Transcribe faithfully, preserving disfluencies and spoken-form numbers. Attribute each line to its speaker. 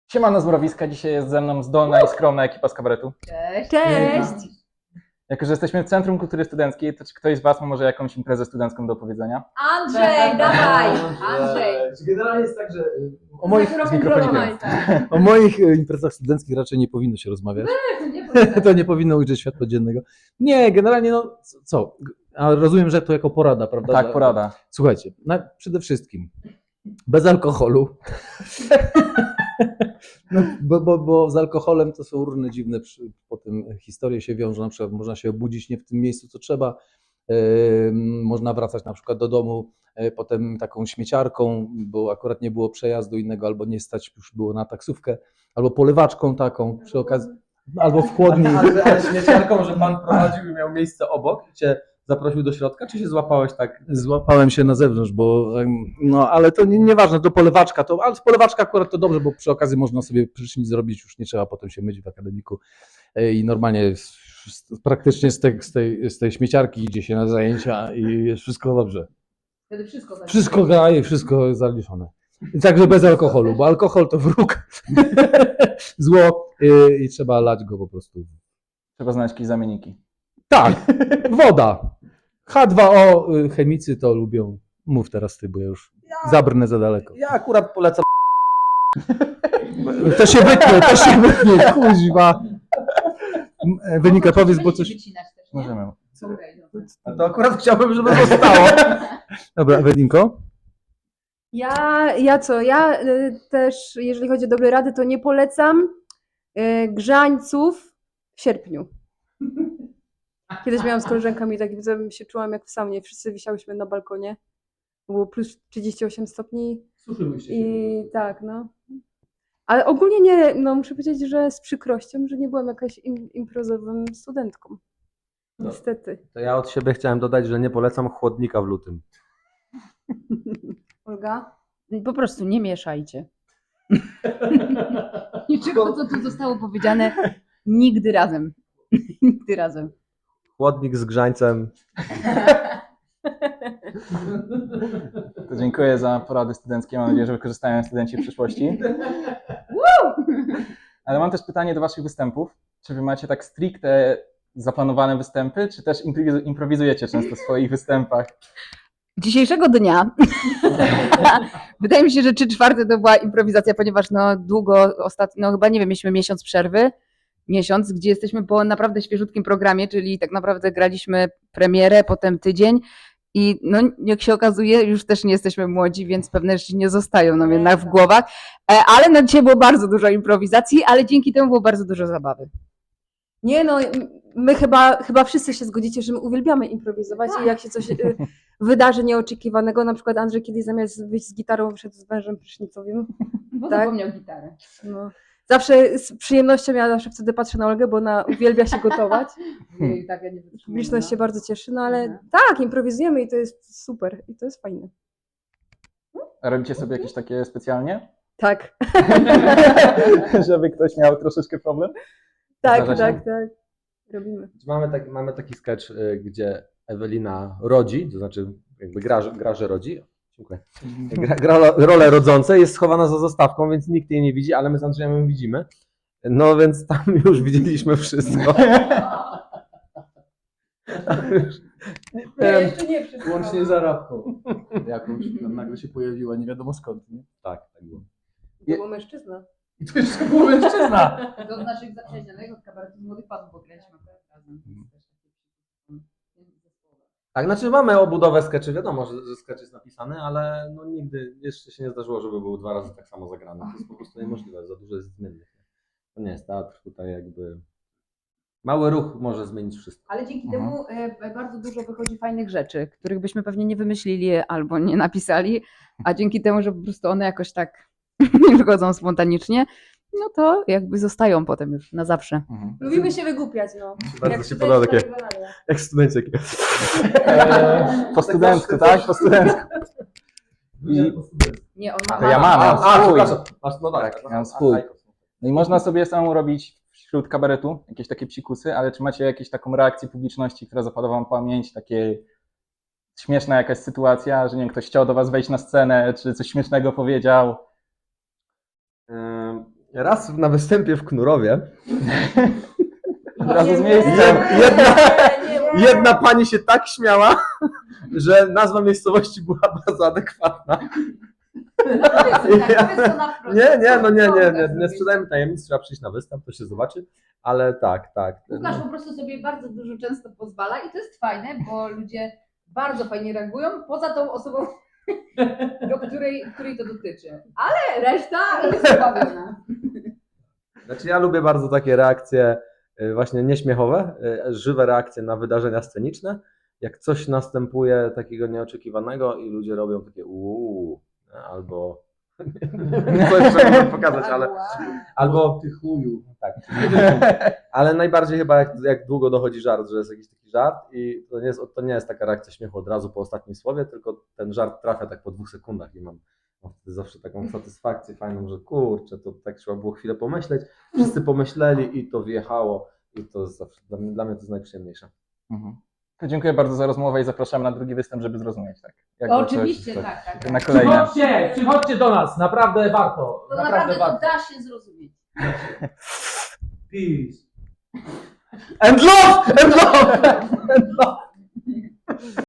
Speaker 1: Siemano z Mrowiska, dzisiaj jest ze mną zdolna i skromna ekipa z kabaretu.
Speaker 2: Cześć.
Speaker 3: Cześć!
Speaker 1: Jako że jesteśmy w Centrum Kultury Studenckiej, to czy ktoś z Was ma może jakąś imprezę studencką do opowiedzenia?
Speaker 2: Andrzej, dawaj! Andrzej.
Speaker 3: Generalnie jest tak, że o
Speaker 2: Moich,
Speaker 3: moich,
Speaker 1: z mikrofonikiem.
Speaker 3: o moich e, imprezach studenckich raczej nie powinno się rozmawiać. To nie powinno ujrzeć światła dziennego. Nie, generalnie no co? A rozumiem, że to jako porada, prawda?
Speaker 1: Tak,
Speaker 3: Że-
Speaker 1: porada.
Speaker 3: Słuchajcie, na, przede wszystkim bez alkoholu. No, bo, bo, bo z alkoholem to są różne dziwne przy, potem historie się wiążą. Na przykład można się obudzić nie w tym miejscu, co trzeba. Yy, można wracać na przykład do domu yy, potem taką śmieciarką, bo akurat nie było przejazdu innego, albo nie stać już było na taksówkę, albo polewaczką taką przy okazji, albo w chłodni.
Speaker 4: Ale, ale śmieciarką, że pan prowadził i miał miejsce obok i cię zaprosił do środka, czy się złapałeś tak?
Speaker 3: Złapałem się na zewnątrz, bo em, no ale to nie, nieważne, to polewaczka, to, ale z polewaczka akurat to dobrze, bo przy okazji można sobie prysznic zrobić, już nie trzeba potem się myć w akademiku e, i normalnie z, z, praktycznie z tej, z, tej, z tej śmieciarki idzie się na zajęcia i jest wszystko dobrze.
Speaker 2: Wtedy wszystko tak.
Speaker 3: Wszystko gra i wszystko jest zaliczone. I także bez alkoholu, bo alkohol to wróg, zło i, i trzeba lać go po prostu.
Speaker 1: Trzeba znaleźć jakieś zamienniki.
Speaker 3: Tak, woda. H dwa O y, chemicy to lubią. Mów teraz ty, bo ja już zabrnę za daleko.
Speaker 4: Ja akurat polecam.
Speaker 3: To się wytnie, to się wytnie, kuźwa. M- Wynika, powiedz, bo coś...
Speaker 2: Wycinać też, nie?
Speaker 1: Możemy.
Speaker 2: Okej, dobra.
Speaker 4: A to akurat chciałbym, żeby zostało.
Speaker 3: Dobra, Ewedinko?
Speaker 5: Ja, ja co? Ja y, też, jeżeli chodzi o dobre rady, to nie polecam y, grzańców w sierpniu. Kiedyś miałam z koleżankami taki, że się czułam jak w saunie. Wszyscy wisiałyśmy na balkonie. Było plus trzydzieści osiem stopni i tak, no. Ale ogólnie nie, no muszę powiedzieć, że z przykrością, że nie byłam jakaś im, imprezową studentką.
Speaker 4: No.
Speaker 5: Niestety.
Speaker 4: To ja od siebie chciałem dodać, że nie polecam chłodnika w lutym.
Speaker 5: Olga?
Speaker 2: Po prostu nie mieszajcie. Niczego, co tu zostało powiedziane, nigdy razem. Nigdy razem.
Speaker 4: Chłodnik z grzańcem.
Speaker 1: To dziękuję za porady studenckie. Mam nadzieję, że wykorzystają studenci w przyszłości. Ale mam też pytanie do Waszych występów. Czy Wy macie tak stricte zaplanowane występy, czy też improwizu- improwizujecie często w swoich występach?
Speaker 2: Dzisiejszego dnia wydaje mi się, że trzy czwarte to była improwizacja, ponieważ no długo, ostatnio, no chyba nie wiem, mieliśmy miesiąc przerwy, miesiąc, gdzie jesteśmy po naprawdę świeżutkim programie, czyli tak naprawdę graliśmy premierę, potem tydzień i no jak się okazuje, już też nie jesteśmy młodzi, więc pewne rzeczy nie zostają nam jednak w głowach, E, ale na dzisiaj było bardzo dużo improwizacji, ale dzięki temu było bardzo dużo zabawy.
Speaker 5: Nie no, m- my chyba, chyba wszyscy się zgodzicie, że my uwielbiamy improwizować i jak się coś y, wydarzy nieoczekiwanego, na przykład Andrzej kiedyś zamiast wyjść z gitarą wyszedł z wężem prysznicowym.
Speaker 2: Bo
Speaker 5: Tak?
Speaker 2: zapomniał gitarę.
Speaker 5: No. Zawsze z przyjemnością ja zawsze wtedy patrzę na Olgę, bo ona uwielbia się gotować.
Speaker 2: I tak ja nie wytrzymuję,
Speaker 5: Publiczność
Speaker 2: no.
Speaker 5: się bardzo cieszy, no ale
Speaker 2: Mhm.
Speaker 5: tak, improwizujemy i to jest super i to jest fajne.
Speaker 1: A robicie sobie jakieś takie specjalnie?
Speaker 5: Tak,
Speaker 1: Żeby ktoś miał troszeczkę problem?
Speaker 5: tak,
Speaker 1: Zdarza się?
Speaker 5: tak, tak. Robimy.
Speaker 4: Mamy, tak, mamy taki sketch, y, gdzie Ewelina rodzi, to znaczy jakby gra, że- gra że rodzi. Dziękuję. Gra, gra rolę rodzące, jest schowana za zostawką, więc nikt jej nie widzi, ale my z Andrzejem ją widzimy. No więc tam już widzieliśmy wszystko. Tam już, nie wiem,
Speaker 5: jeszcze nie wszystko.
Speaker 3: Łącznie z Arabką. Jakąś tam nagle się pojawiła, nie wiadomo skąd, nie?
Speaker 4: tak, tak było.
Speaker 5: To był mężczyzna.
Speaker 3: I to jeszcze był mężczyzna.
Speaker 2: Do naszych zaprzyjaźnionych od kabaretu młodych panów, bo graliśmy akurat razem.
Speaker 4: Tak, znaczy mamy obudowę skeczy, wiadomo, że, że sketch jest napisany, ale no nigdy jeszcze się nie zdarzyło, żeby był dwa razy tak samo zagrany. To jest po prostu niemożliwe, za dużo jest zmiennych. To nie jest teatr, tutaj jakby mały ruch może zmienić wszystko.
Speaker 2: Ale dzięki
Speaker 1: Mhm.
Speaker 2: temu e, bardzo dużo wychodzi fajnych rzeczy, których byśmy pewnie nie wymyślili albo nie napisali, a dzięki temu, że po prostu one jakoś tak wychodzą spontanicznie, no to jakby zostają potem już na zawsze.
Speaker 1: Mhm.
Speaker 5: Lubimy się wygłupiać, no.
Speaker 4: Bardzo
Speaker 5: Jak
Speaker 4: się
Speaker 5: studenci
Speaker 4: podoba
Speaker 5: na
Speaker 4: takie,
Speaker 5: wykonania.
Speaker 4: jak studenci. Takie.
Speaker 1: Eee, po studencku, tak? Po studencku. I,
Speaker 2: Nie, on ma.
Speaker 1: To ja mam,
Speaker 4: A,
Speaker 1: ja
Speaker 4: a,
Speaker 1: swój.
Speaker 4: przepraszam. Masz, no tak,
Speaker 1: Tak, ja mam swój. No i można sobie samemu robić wśród kabaretu jakieś takie psikusy, ale czy macie jakąś taką reakcję publiczności, która zapada wam w pamięć, takie śmieszna jakaś sytuacja, że nie wiem, ktoś chciał do was wejść na scenę, czy coś śmiesznego powiedział?
Speaker 4: Ym, Raz na występie w Knurowie
Speaker 1: Od razu z miejsca.
Speaker 4: jedna, jedna pani się tak śmiała, że nazwa miejscowości była bardzo adekwatna. Nie, nie, no nie, nie, nie, nie sprzedajmy tajemnic, trzeba przyjść na występ, to się zobaczy, ale tak, tak.
Speaker 2: Łukasz po prostu sobie bardzo dużo często pozwala i to jest fajne, bo ludzie bardzo fajnie reagują, poza tą osobą, do której, której to dotyczy. Ale reszta jest zabawiona.
Speaker 4: Znaczy ja lubię bardzo takie reakcje y, właśnie nieśmiechowe, y, żywe reakcje na wydarzenia sceniczne. Jak coś następuje takiego nieoczekiwanego i ludzie robią takie uuu, albo co jeszcze mogę pokazać, ale albo ty chuju, tak. Ale najbardziej chyba jak, jak długo dochodzi żart, że jest jakiś taki żart i to nie jest, to nie jest taka reakcja śmiechu od razu po ostatnim słowie, tylko ten żart trafia tak po dwóch sekundach i mam, mam wtedy zawsze taką satysfakcję fajną, że kurczę, to tak trzeba było chwilę pomyśleć, wszyscy pomyśleli i to wjechło i to jest zawsze, dla mnie, dla mnie to jest najprzyjemniejsze.
Speaker 1: Mhm. To dziękuję bardzo za rozmowę i zapraszam na drugi występ, żeby zrozumieć. Tak. Jakby
Speaker 2: Oczywiście,
Speaker 1: coś,
Speaker 2: tak, tak.
Speaker 1: Na kolejne.
Speaker 6: Przychodźcie, przychodźcie do nas, naprawdę warto.
Speaker 2: To
Speaker 6: Naprawdę,
Speaker 2: naprawdę to
Speaker 6: warto.
Speaker 2: da się zrozumieć.
Speaker 6: Peace.
Speaker 4: And love! And love! And love!